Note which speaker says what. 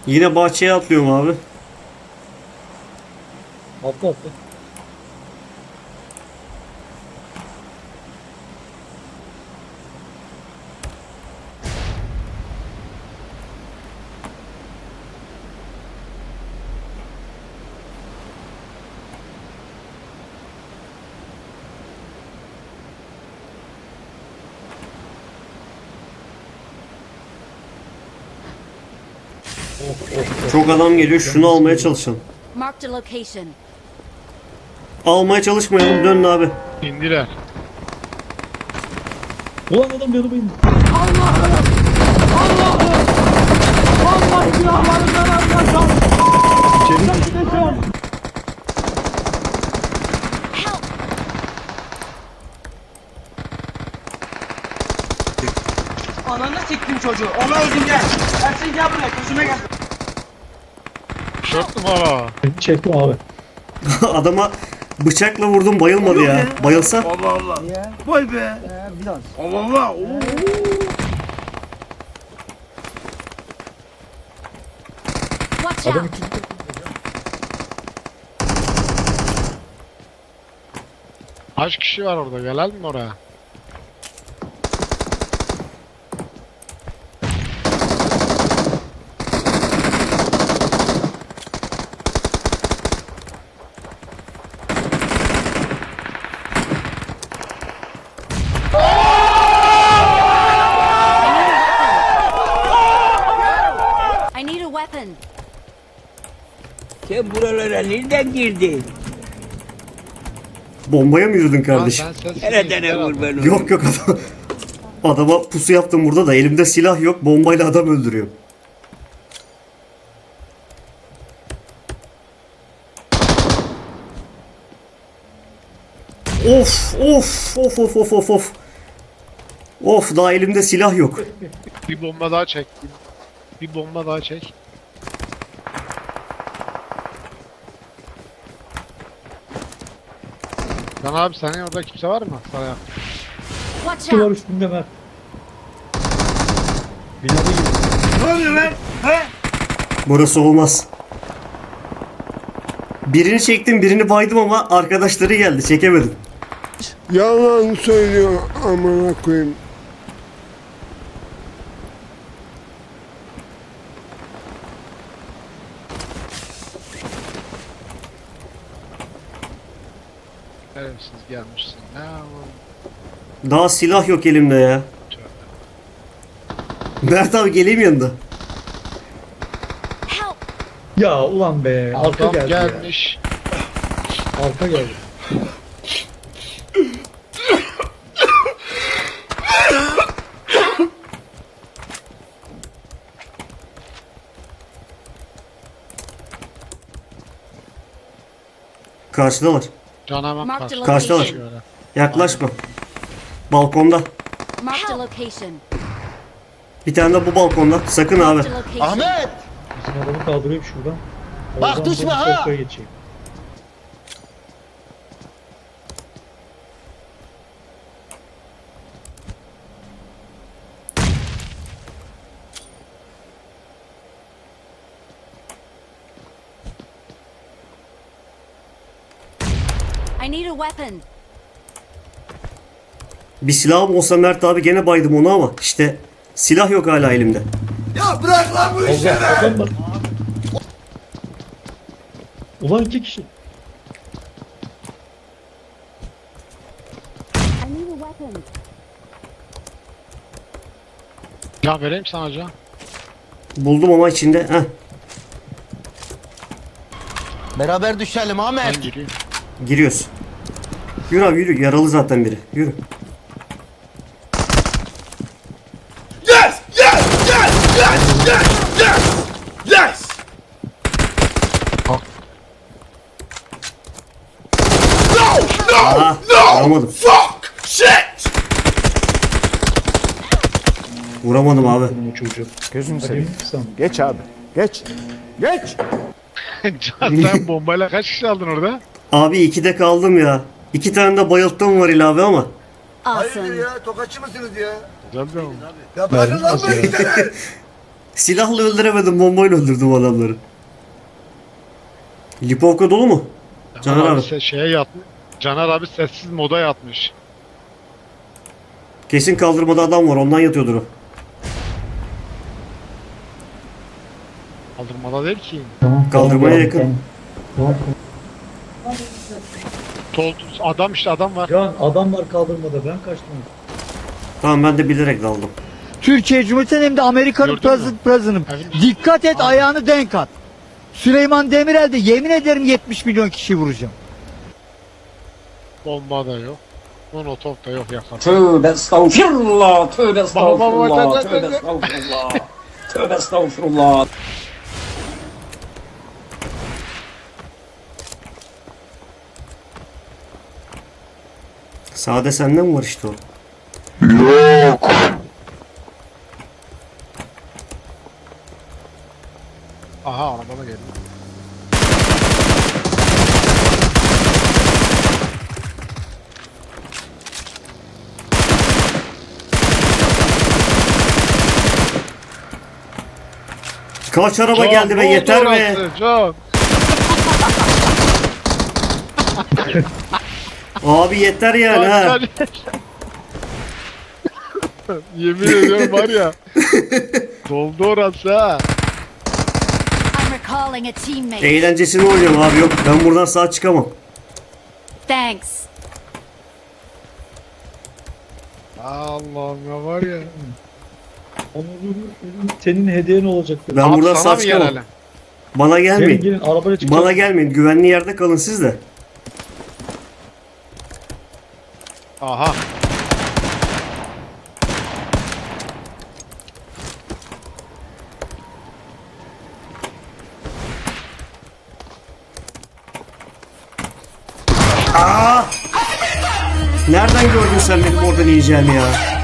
Speaker 1: Yine bahçeye atlıyorum abi.
Speaker 2: Atla atla.
Speaker 1: Çok adam geliyor. Şunu almaya çalışalım.
Speaker 3: Marked a location.
Speaker 1: Almaya çalışmayalım. Dönün abi.
Speaker 4: İndiler.
Speaker 2: Ulan adam yanıma indi.
Speaker 3: Help!
Speaker 5: Ananı siktim çocuğu. Onu öldüm gel. Ersin gel buraya. Gözüme gel.
Speaker 4: 4 numara.
Speaker 2: Çektim abi.
Speaker 1: Adama bıçakla vurdum, bayılmadı ya. Bayılsa
Speaker 5: Allah Allah. Vay be. Biraz. Allah Allah. Oo.
Speaker 3: Watch
Speaker 2: Adam
Speaker 3: out!
Speaker 2: ikinci.
Speaker 4: Kaç kişi var orada? Gelelim mi oraya?
Speaker 3: I need a weapon.
Speaker 5: Sen buralara nereden girdin?
Speaker 1: bombaya mı yürüdün kardeşim?
Speaker 5: Nereden vur ben onu?
Speaker 1: Yok yok adam. Adama pusu yaptım burada da elimde silah yok. Bombayla adam öldürüyor. Of of of of of of of. Of daha elimde silah yok.
Speaker 4: Bir bomba daha çek. Bir bomba daha çek. Lan abi senin orada kimse var mı? Sana yap.
Speaker 3: Watch
Speaker 2: Şu var
Speaker 3: out!
Speaker 2: üstünde Mert. Binada gibi.
Speaker 5: Ne oluyor lan? He?
Speaker 1: Burası olmaz. Birini çektim, birini baydım ama arkadaşları geldi, çekemedim.
Speaker 6: Yalan söylüyor amına koyayım.
Speaker 4: Şerefsiz gelmişsin. Ne yapalım?
Speaker 1: Daha silah yok elimde ya. Mert abi geleyim yanında.
Speaker 3: Help!
Speaker 2: Ya ulan be. Arka
Speaker 4: Adam
Speaker 2: geldi ya.
Speaker 4: gelmiş.
Speaker 2: Arka geldi.
Speaker 1: Karşıdalar.
Speaker 4: Canavar
Speaker 3: Marked a
Speaker 1: Karşıdalar.
Speaker 3: location.
Speaker 1: Yaklaşma. Balkonda.
Speaker 3: Marked a location.
Speaker 1: Bir tane de bu balkonda. Sakın abi.
Speaker 3: Marked a location.
Speaker 7: Ahmet!
Speaker 2: Bizim adamı kaldırayım şuradan.
Speaker 7: Bak
Speaker 2: Oradan
Speaker 7: düşme
Speaker 2: ben
Speaker 7: ha!
Speaker 2: sofraya geçeyim.
Speaker 3: I need a weapon.
Speaker 1: Bir silahım olsa Mert abi gene baydım onu ama işte silah yok hala elimde.
Speaker 5: Ya bırak lan bu işi.
Speaker 2: Allah adam var. Ulan iki kişi.
Speaker 3: I need a weapon.
Speaker 4: Ya vereyim sana can.
Speaker 1: Buldum ama içinde. Heh,
Speaker 7: Beraber düşelim Ahmet.
Speaker 4: Ben gireyim.
Speaker 1: giriyoruz. Yürü abi yürü. Yaralı zaten biri. Yürü.
Speaker 5: Yes! Yes! Yes! Yes! Yes! Yes! Yes! No! No!
Speaker 1: Aha,
Speaker 5: No!
Speaker 1: vuramadım.
Speaker 5: Fuck! Shit!
Speaker 1: Vuramadım abi.
Speaker 2: Bunun çocuğu.
Speaker 7: Gözünü
Speaker 2: Hadi
Speaker 7: seveyim.
Speaker 2: sen.
Speaker 7: Geç abi. Geç. Geç.
Speaker 4: Can sen bombayla kaç kişi aldın orada?
Speaker 1: Abi 2'de kaldım ya. 2 tane de bayılttım var ilave ama.
Speaker 3: Awesome.
Speaker 5: ya? Tokatçı mısınız ya?
Speaker 4: Güzel de oldu.
Speaker 5: Ya bırakın lan bu işleri.
Speaker 1: Silahla öldüremedim, bombayla öldürdüm adamları. Lipovka dolu mu? Caner abi.
Speaker 4: Şeye yatmış. Caner abi sessiz moda yatmış.
Speaker 1: Kesin kaldırmada adam var, ondan yatıyordur o.
Speaker 4: Kaldırmada değil ki.
Speaker 1: Kaldırmaya yakın.
Speaker 4: Adam işte adam var.
Speaker 2: Can adam var kaldırmada, ben kaçtım.
Speaker 1: Tamam, ben de bilerek daldım.
Speaker 8: Türkiye Cumhuriyeti'nin hem de Amerika'nın
Speaker 4: Gördün mü?
Speaker 8: president'ı. Dikkat et, ayağını denk at. Süleyman Demirel de yemin ederim 70 milyon kişi vuracağım.
Speaker 4: Bomba da yok. Molotov da yok yakın.
Speaker 9: Tövbe estağfirullah, tövbe
Speaker 4: Bak, bak,
Speaker 9: estağfirullah,
Speaker 4: bak,
Speaker 9: tövbe
Speaker 4: bak.
Speaker 9: estağfirullah, tövbe estağfirullah.
Speaker 1: Sade senden mi var işte o?
Speaker 4: Aha araba da geldi.
Speaker 1: Kaç araba
Speaker 4: Can,
Speaker 1: geldi be,
Speaker 4: ne oldu
Speaker 1: yeter be.
Speaker 4: orası? Can.
Speaker 1: Abi yeter yani ha.
Speaker 4: Yemin ediyorum var ya. Doldu orası ha.
Speaker 3: I'm recalling a teammate.
Speaker 1: Eğlencesini oynayalım abi, yok. Ben buradan sağ çıkamam.
Speaker 3: Thanks.
Speaker 4: Allah'ım ya var ya.
Speaker 2: Senin hediyen olacaktı.
Speaker 1: Ben
Speaker 4: Abi
Speaker 1: buradan
Speaker 4: sana
Speaker 1: sağ
Speaker 4: mı
Speaker 1: çıkamam.
Speaker 4: gelelim?
Speaker 1: Bana
Speaker 2: Gelin
Speaker 1: gelmeyin.
Speaker 2: gelin arabaya çıkacağız.
Speaker 1: Bana gelmeyin. Güvenli yerde kalın siz de.
Speaker 4: Aha.
Speaker 1: Nereden gördün sen benim oradan yiyeceğimi ya?